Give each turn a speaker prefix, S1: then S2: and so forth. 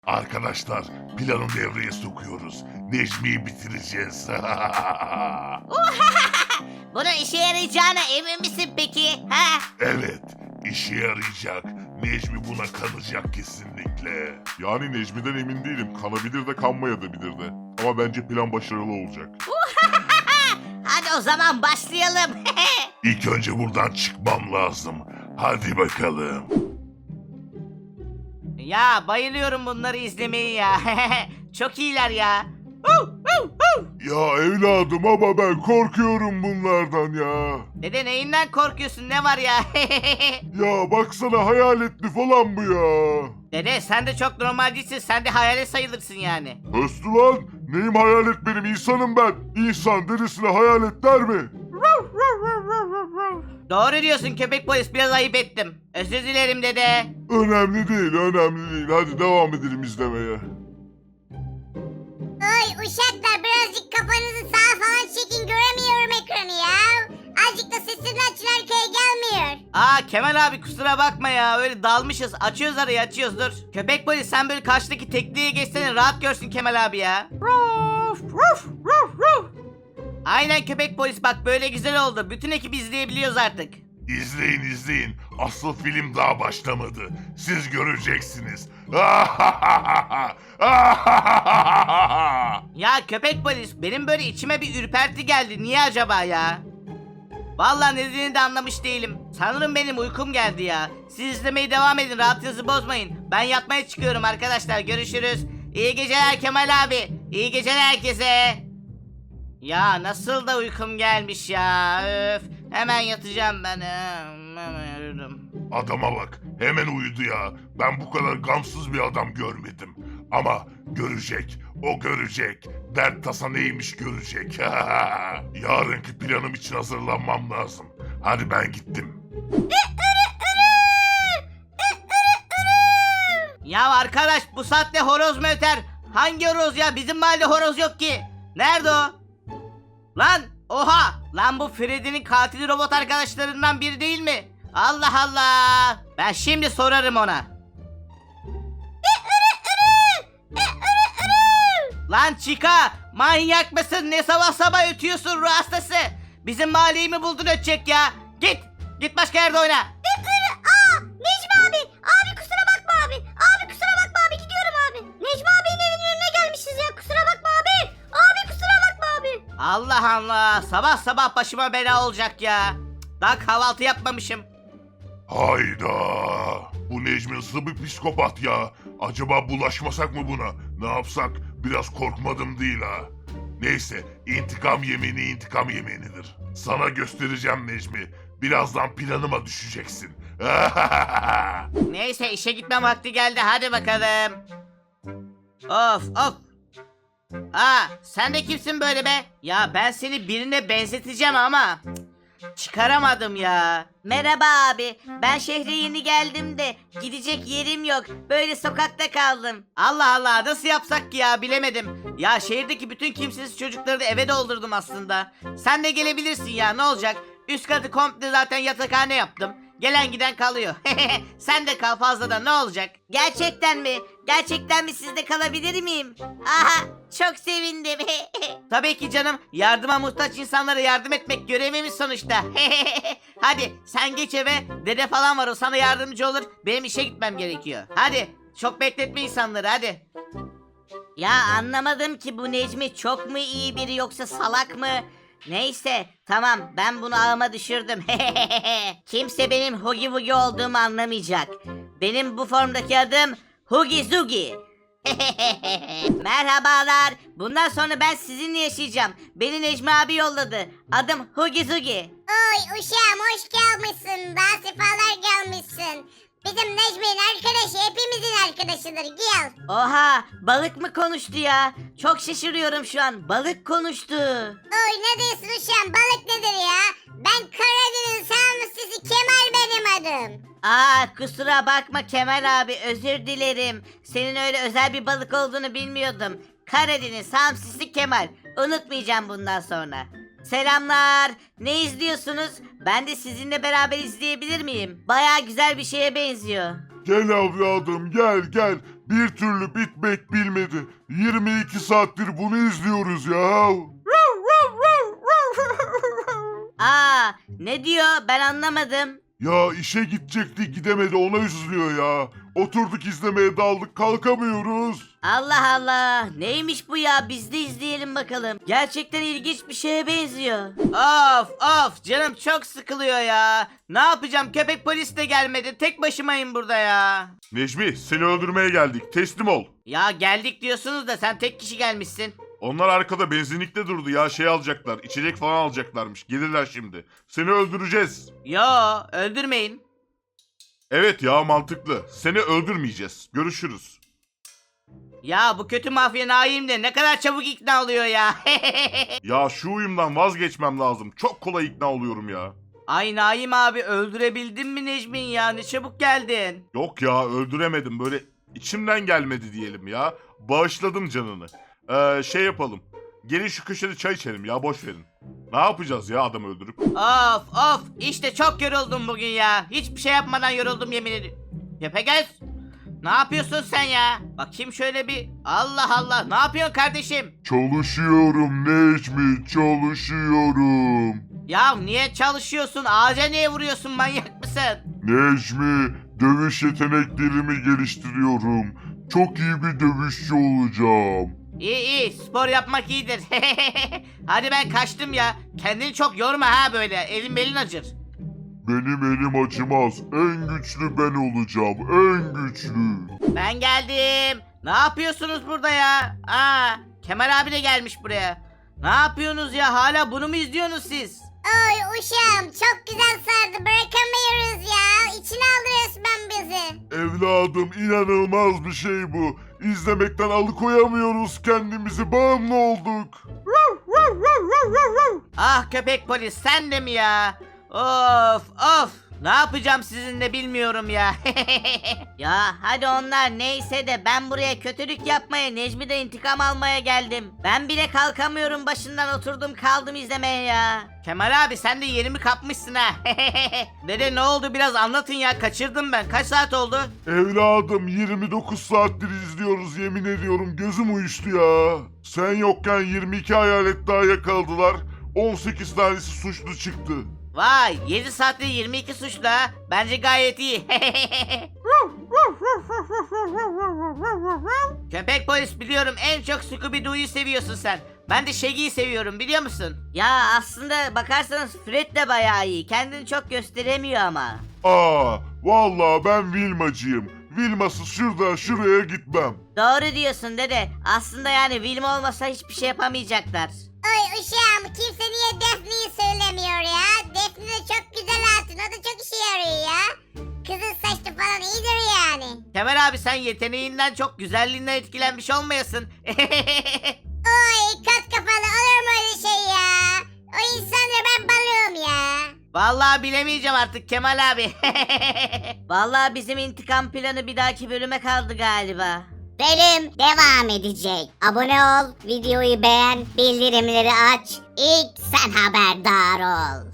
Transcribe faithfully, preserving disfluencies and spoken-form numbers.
S1: Arkadaşlar planı devreye sokuyoruz. Necmi'yi bitireceğiz.
S2: Bunun işe yarayacağına emin misin peki? Ha?
S1: Evet, işe yarayacak. Necmi buna kanacak kesinlikle. Yani Necmi'den emin değilim. Kanabilir de kanmayabilir de. Ama bence plan başarılı olacak.
S2: Hadi o zaman başlayalım.
S1: İlk önce buradan çıkmam lazım. Hadi bakalım.
S2: Ya bayılıyorum bunları izlemeyi ya. Çok iyiler ya.
S1: Ya evladım ama ben korkuyorum bunlardan ya.
S2: Dede neyinden korkuyorsun, ne var ya?
S1: Ya baksana hayaletli falan bu ya.
S2: Dede sen de çok normal değilsin, sen de hayalet sayılırsın yani.
S1: Östü lan. Neyim hayalet benim? İnsanım ben. İnsan derisine hayalet der mi?
S2: Doğru diyorsun köpek polis, biraz ayıp ettim. Özür dilerim dede.
S1: Önemli değil, önemli değil. Hadi devam edelim izlemeye.
S3: Oy uşaklar birazcık kafanızı sağa falan çekin, göremiyorum ekranı ya. Azıcık da sesini açın, arkaya gelmiyor.
S2: Aa Kemal abi kusura bakma ya, öyle dalmışız. Açıyoruz arayı, açıyoruz, dur. Köpek polis sen böyle karşıdaki tekneye geçsene, rahat görsün Kemal abi ya. Aynen köpek polis, bak böyle güzel oldu. Bütün ekip izleyebiliyoruz artık.
S1: İzleyin izleyin. Asıl film daha başlamadı. Siz göreceksiniz.
S2: Ya köpek polis, benim böyle içime bir ürperti geldi. Niye acaba ya? Vallahi nedenini de anlamış değilim. Sanırım benim uykum geldi ya. Siz izlemeye devam edin, rahatınızı bozmayın. Ben yatmaya çıkıyorum arkadaşlar, görüşürüz. İyi geceler Kemal abi. İyi geceler herkese. Ya nasıl da uykum gelmiş ya. Öf. Hemen yatacağım ben. Hemen uyurum.
S1: Adama bak. Hemen uyudu ya. Ben bu kadar gamsız bir adam görmedim. Ama görecek. O görecek. Dert tasa neymiş görecek. Yarınki planım için hazırlanmam lazım. Hadi ben gittim.
S2: Ya arkadaş, bu saatte horoz mu öter? Hangi horoz ya? Bizim mahallede horoz yok ki. Nerede o? Lan oha! Lan bu Freddy'nin katili robot arkadaşlarından biri değil mi? Allah Allah! Ben şimdi sorarım ona. Lan Chica! Manyak mısın? Ne sabah sabah ötüyorsun ruh hastası? Bizim mahalleyi mi buldun ötecek ya? Git! Git başka yerde oyna.
S3: Aa Necmi abi. Abi kusura bakma abi. Abi kusura bakma abi, gidiyorum abi. Necmi abinin evinin önüne gelmişiz ya, kusura bakma abi. Abi kusura bakma abi.
S2: Allah Allah! Sabah sabah başıma bela olacak ya. Daha kahvaltı yapmamışım.
S1: Hayda. Bu Necmi nasıl bir psikopat ya. Acaba bulaşmasak mı buna? Ne yapsak? Biraz korkmadım değil ha. Neyse, intikam yemini intikam yeminidir. Sana göstereceğim Necmi. Birazdan planıma düşeceksin.
S2: Neyse işe gitme vakti geldi, hadi bakalım. Of of. Aa sen de kimsin böyle be? Ya ben seni birine benzeteceğim ama cık, çıkaramadım ya. Merhaba abi, ben şehre yeni geldim de gidecek yerim yok, böyle sokakta kaldım. Allah Allah, nasıl yapsak ki ya, bilemedim. Ya şehirdeki bütün kimsesiz çocukları da eve doldurdum aslında. Sen de gelebilirsin ya, ne olacak? Üst katı komple zaten yatakhane yaptım. Gelen giden kalıyor. Sen de kal fazladan, ne olacak? Gerçekten mi? Gerçekten mi, sizde kalabilir miyim? Aha çok sevindim. Tabii ki canım. Yardıma muhtaç insanlara yardım etmek görevimiz sonuçta. Hadi sen geç eve. Dede falan var, o sana yardımcı olur. Benim işe gitmem gerekiyor. Hadi çok bekletme insanları, hadi. Ya anlamadım ki, bu Necmi çok mu iyi biri yoksa salak mı? Neyse tamam, ben bunu ağıma düşürdüm. Kimse benim Hugi Wugi olduğumu anlamayacak. Benim bu formdaki adım Hugi Zugi. Merhabalar. Bundan sonra ben sizinle yaşayacağım. Beni Necmi abi yolladı. Adım Hugi Zugi.
S3: Oy uşağım, hoş gelmişsin. Daha sefalar gelmişsin. Bizim Necmi'nin arkadaşı hepimizin arkadaşıdır, gel.
S2: Oha, balık mı konuştu ya? Çok şaşırıyorum şu an. Balık konuştu.
S3: Oy ne diyorsun uşağım, balık nedir ya? Ben Karadeniz Samsun'si Kemal benim adım.
S2: Aa kusura bakma Kemal abi, özür dilerim. Senin öyle özel bir balık olduğunu bilmiyordum. Karadeniz hamsisi Kemal. Unutmayacağım bundan sonra. Selamlar. Ne izliyorsunuz? Ben de sizinle beraber izleyebilir miyim? Baya güzel bir şeye benziyor.
S1: Gel evladım gel gel. bir türlü bitmek bilmedi. yirmi iki saattir bunu izliyoruz ya.
S2: Aa, ne diyor ben anlamadım.
S1: Ya işe gidecekti gidemedi ona üzülüyor ya. Oturduk izlemeye daldık kalkamıyoruz.
S2: Allah Allah, neymiş bu ya, biz de izleyelim bakalım. Gerçekten ilginç bir şeye benziyor. Of of, canım çok sıkılıyor ya. Ne yapacağım, köpek polis de gelmedi, tek başımayım burada ya.
S1: Necmi seni öldürmeye geldik teslim ol.
S2: Ya geldik diyorsunuz da sen tek kişi gelmişsin.
S1: Onlar arkada benzinlikte durdu ya şey alacaklar içecek falan alacaklarmış gelirler şimdi. Seni öldüreceğiz.
S2: Yo, öldürmeyin.
S1: Evet ya mantıklı seni öldürmeyeceğiz görüşürüz.
S2: Ya bu kötü mafya Naim de ne kadar çabuk ikna oluyor ya.
S1: Ya şu uyumdan vazgeçmem lazım çok kolay ikna oluyorum ya.
S2: Ay Naim abi, öldürebildin mi Necmin ya, ne çabuk geldin.
S1: Yok ya öldüremedim böyle içimden gelmedi diyelim ya. Bağışladım canını. Ee, şey yapalım. Gelin şu köşede çay içelim ya boş verin. Ne yapacağız ya adam öldürüp?
S2: Of of, işte çok yoruldum bugün ya. Hiçbir şey yapmadan yoruldum yemin ediyorum. Yapagöz, ne yapıyorsun sen ya? Bakayım şöyle bir. Allah Allah, ne yapıyorsun kardeşim?
S1: Çalışıyorum Necmi çalışıyorum.
S2: Ya niye çalışıyorsun? Ağaca niye vuruyorsun, manyak mısın?
S1: Necmi dövüş yeteneklerimi geliştiriyorum. Çok iyi bir dövüşçü olacağım.
S2: İyi iyi, spor yapmak iyidir. Hadi ben kaçtım ya. Kendini çok yorma ha böyle. Elin belin acır.
S1: Benim elim acımaz. En güçlü ben olacağım. En güçlü.
S2: Ben geldim. Ne yapıyorsunuz burada ya? Aa, Kemal abi de gelmiş buraya. Ne yapıyorsunuz ya? Hala bunu mu izliyorsunuz siz?
S3: Oy uşağım çok güzel sardı bırakamıyoruz ya. İçine aldı resmen bizi.
S1: Evladım inanılmaz bir şey bu. İzlemekten alıkoyamıyoruz kendimizi. Bağımlı olduk.
S2: Ah köpek polis, sen de mi ya? Of of. Ne yapacağım sizinle bilmiyorum ya. Ya hadi onlar neyse de ben buraya kötülük yapmaya, Necmi'de intikam almaya geldim. Ben bile kalkamıyorum başından, oturdum kaldım izlemeye ya. Kemal abi sen de yerimi kapmışsın ha. Dede ne oldu, biraz anlatın ya, kaçırdım ben. Kaç saat oldu?
S1: Evladım yirmi dokuz saattir izliyoruz yemin ediyorum gözüm uyuştu ya. Sen yokken yirmi iki hayalet daha yakaladılar. on sekiz tanesi suçlu çıktı.
S2: Vay, yedi saatte yirmi iki suçlu ha. Bence gayet iyi. Köpek polis, biliyorum en çok Scooby-Doo'yu seviyorsun sen. Ben de Shaggy'yi seviyorum, biliyor musun? Ya aslında bakarsanız Fred de bayağı iyi. Kendini çok gösteremiyor ama.
S1: Aa, vallahi ben Vilmacıyım. Vilmasız şurada şuraya gitmem.
S2: Doğru diyorsun dede. Aslında yani Wilma olmasa hiçbir şey yapamayacaklar.
S3: Oy uşağım kimse niye Defne'yi söylemiyor ya? Defne de çok güzel hatun, o da çok işe yarıyor ya. Kızın saçlı falan iyidir yani.
S2: Kemal abi sen yeteneğinden çok güzelliğinden etkilenmiş olmayasın.
S3: Oy kat kafalı olur mu öyle şey ya? O insanları ben balığım ya.
S2: Vallahi bilemeyeceğim artık Kemal abi. Vallahi bizim intikam planı bir dahaki bölüme kaldı galiba.
S3: Bölüm devam edecek. Abone ol, videoyu beğen, bildirimleri aç. İlk sen haberdar ol.